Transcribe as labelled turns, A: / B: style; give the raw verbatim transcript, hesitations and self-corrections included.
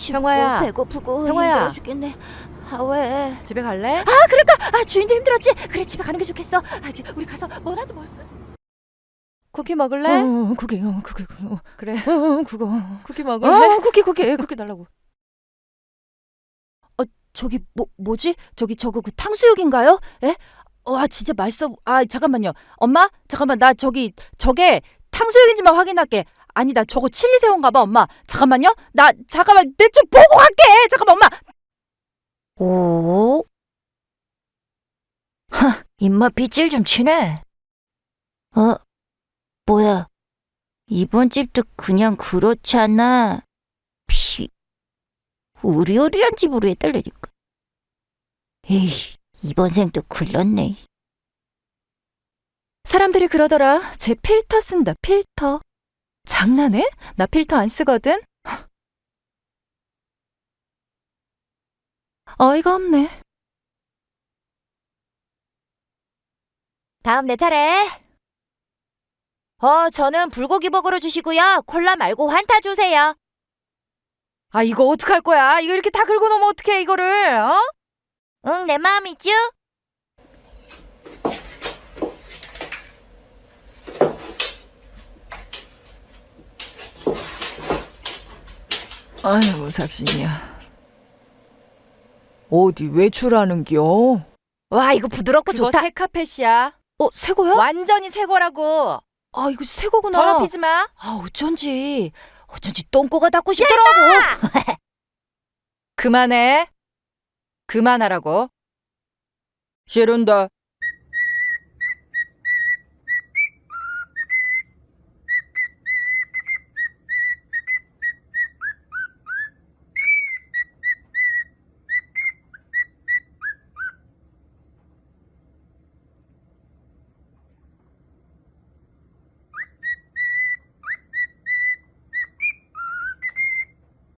A: 춥고
B: 형화야.
A: 배고프고
B: 형화야.
A: 힘들어 죽겠네. 아 왜?
B: 집에 갈래?
A: 아 그럴까? 아 주인도 힘들었지. 그래 집에 가는 게 좋겠어. 아 이제 우리 가서 뭐라도 먹을까?
B: 쿠키 먹을래?
C: 어, 쿠키, 어, 쿠키, 어,
B: 그래.
C: 어, 그거.
B: 쿠키 먹을래?
C: 어, 쿠키, 쿠키, 쿠키 달라고.
A: 저기 뭐 뭐지? 저기 저거 그 탕수육인가요? 에? 와 진짜 맛있어. 아 잠깐만요. 엄마 잠깐만 나 저기 저게 탕수육인지만 확인할게. 아니다 저거 칠리 새우인가봐 엄마. 잠깐만요. 나 잠깐만 내 좀 보고 갈게. 잠깐만 엄마. 오. 하 입맛 빗질 좀 치네. 어 뭐야? 이번 집도 그냥 그렇지 않나? 피. 우리우리한 집으로 해달라니까. 에이, 이번 생도 굴렀네.
B: 사람들이 그러더라. 쟤 필터 쓴다, 필터. 장난해? 나 필터 안 쓰거든? 어이가 없네.
A: 다음 내 차례. 어, 저는 불고기 버거로 주시고요. 콜라 말고 환타 주세요.
B: 아, 이거 어떡할 거야? 이거 이렇게 다 긁어 놓으면 어떡해, 이거를, 어?
A: 응, 내 마음이죠?
C: 아이고, 삭신이야. 어디 외출하는겨?
A: 와, 이거 부드럽고
B: 그거
A: 좋다.
B: 새 카펫이야.
A: 어, 새 거야?
B: 완전히 새 거라고.
A: 아, 이거 새 거구나.
B: 더럽히지 마.
A: 아, 어쩐지. 어쩐지 똥꼬가 닿고 싶더라고.
B: 그만해. 그만하라고.
C: 싫은데.